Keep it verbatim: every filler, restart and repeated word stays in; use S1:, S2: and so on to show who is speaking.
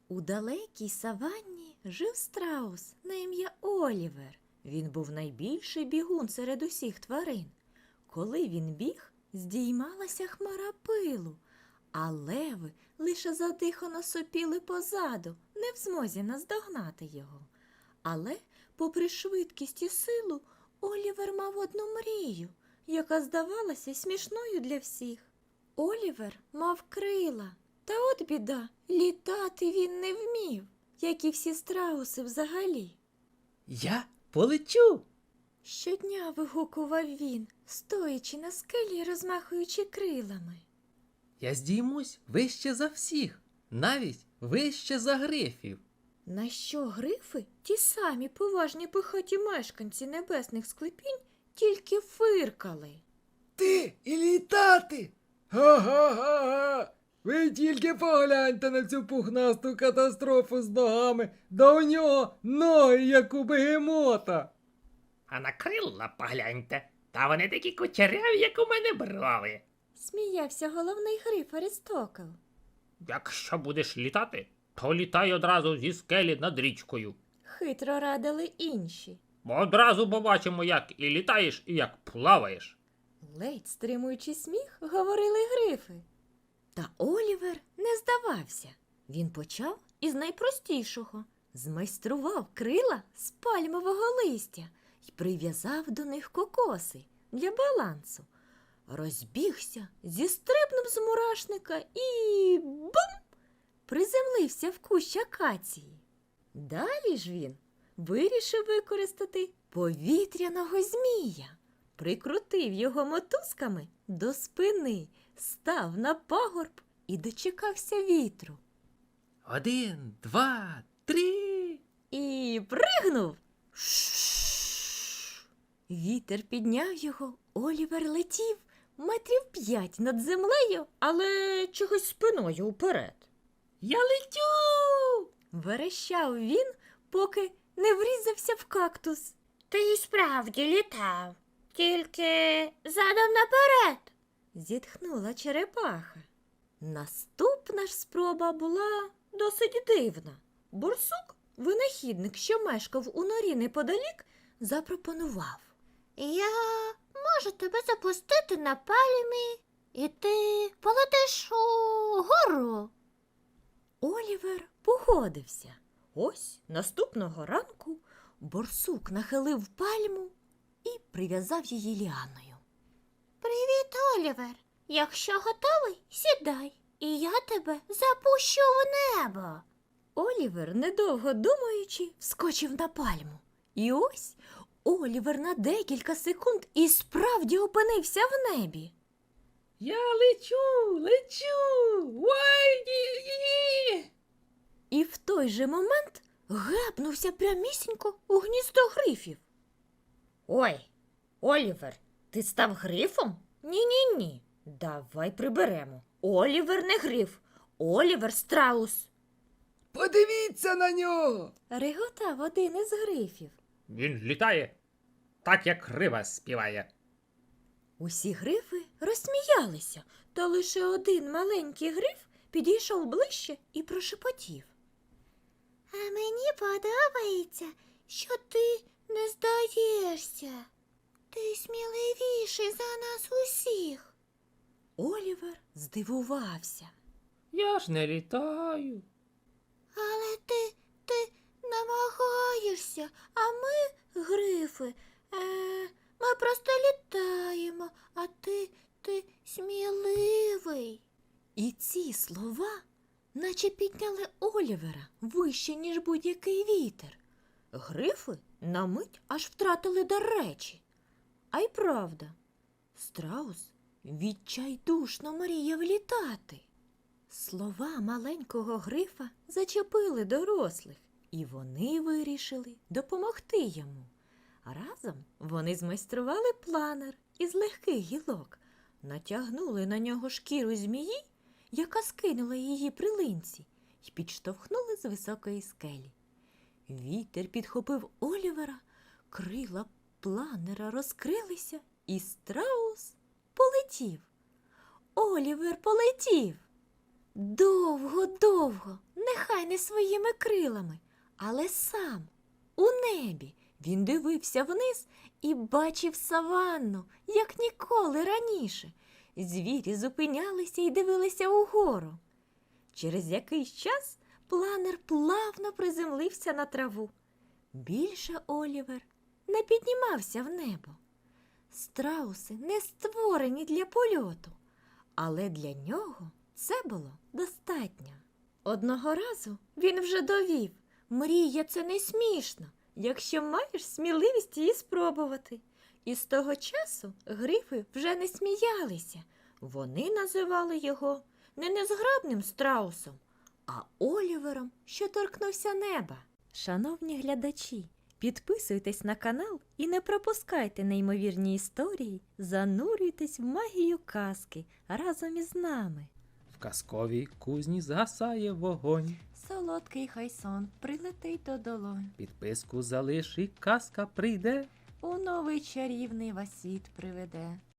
S1: У далекій саванні жив страус на ім'я Олівер. Він був найбільший бігун серед усіх тварин. Коли він біг, здіймалася хмара пилу, а леви лише задихано сопіли позаду, не в змозі наздогнати його. Але, попри швидкість і силу, Олівер мав одну мрію, яка здавалася смішною для всіх. Олівер мав крила, та от біда, літати він не вмів, як і всі страуси взагалі.
S2: Я полечу.
S1: Щодня вигукував він, стоячи на скелі й розмахуючи крилами.
S2: Я здіймусь вище за всіх, навіть вище за грифів.
S1: На що грифи, ті самі поважні пихаті мешканці небесних склепінь, тільки фиркали.
S3: Ти і літати? Га-га-га-га! Ви тільки погляньте на цю пухнасту катастрофу з ногами, да у нього ноги, як у бегемота.
S4: А на крила погляньте, та вони такі кучеряві, як у мене брови.
S1: Сміявся головний гриф Аристокл.
S4: Якщо будеш літати, то літай одразу зі скелі над річкою.
S1: Хитро радили інші.
S4: Бо одразу побачимо, як і літаєш, і як плаваєш.
S1: Ледь стримуючи сміх, говорили грифи. Та Олівер не здавався. Він почав із найпростішого. Змайстрував крила з пальмового листя і прив'язав до них кокоси для балансу. Розбігся, зістрибнув з мурашника і бум! Приземлився в кущ акації. Далі ж він вирішив використати повітряного змія. Прикрутив його мотузками до спини, став на пагорб і дочекався вітру.
S2: Один, два, три.
S1: І пригнув. Ш-ш-ш. Вітер підняв його, Олівер летів метрів п'ять над землею, але чогось спиною вперед.
S2: Я летю.
S1: Верещав він, поки не врізався в кактус.
S5: Ти й справді літав, тільки задом наперед.
S1: Зітхнула черепаха. Наступна ж спроба була досить дивна. Борсук, винахідник, що мешкав у норі неподалік, запропонував.
S5: Я можу тебе запустити на пальмі, і ти полетиш угору.
S1: Олівер погодився. Ось наступного ранку борсук нахилив пальму і прив'язав її ліаною.
S5: Привіт, Олівер. Якщо готовий, сідай, і я тебе запущу в небо.
S1: Олівер, недовго думаючи, вскочив на пальму. І ось Олівер на декілька секунд і справді опинився в небі.
S2: Я лечу, лечу. Ой-ні-ні.
S1: І в той же момент гепнувся прямісінько у гніздо грифів. Ой, Олівер, ти став грифом? Ні-ні-ні, давай приберемо. Олівер не гриф, Олівер страус.
S3: Подивіться на нього!
S1: Реготав один із грифів.
S4: Він літає так, як риба співає.
S1: Усі грифи розсміялися, та лише один маленький гриф підійшов ближче і прошепотів.
S5: А мені подобається, що ти не здаєшся. Ти сміливіший за нас усіх.
S1: Олівер здивувався.
S2: Я ж не літаю.
S5: Але ти, ти намагаєшся, а ми, грифи, е, ми просто літаємо, а ти, ти сміливий.
S1: І ці слова наче підняли Олівера вище, ніж будь-який вітер. Грифи на мить аж втратили дар речі. А й правда, страус відчайдушно мріяв літати. Слова маленького грифа зачепили дорослих, і вони вирішили допомогти йому. Разом вони змайстрували планер із легких гілок, натягнули на нього шкіру змії, яка скинула її при линці, і підштовхнули з високої скелі. Вітер підхопив Олівера, крила планера розкрилися, і страус полетів. Олівер полетів. Довго-довго, нехай не своїми крилами, але сам, у небі. Він дивився вниз і бачив саванну, як ніколи раніше. Звірі зупинялися і дивилися угору. Через якийсь час планер плавно приземлився на траву. Більше Олівер не піднімався в небо. Страуси не створені для польоту, але для нього це було достатньо. Одного разу він вже довів, мрія – це не смішно, якщо маєш сміливість її спробувати. І з того часу грифи вже не сміялися. Вони називали його не незграбним страусом, а Олівером, що торкнувся неба. Шановні глядачі, підписуйтесь на канал і не пропускайте неймовірні історії, занурюйтесь в магію казки разом із нами.
S2: В казковій кузні згасає вогонь.
S1: Солодкий хай сон прилетить до долонь,
S2: Підписку залиш і казка прийде.
S1: у новий чарівний вас світ приведе.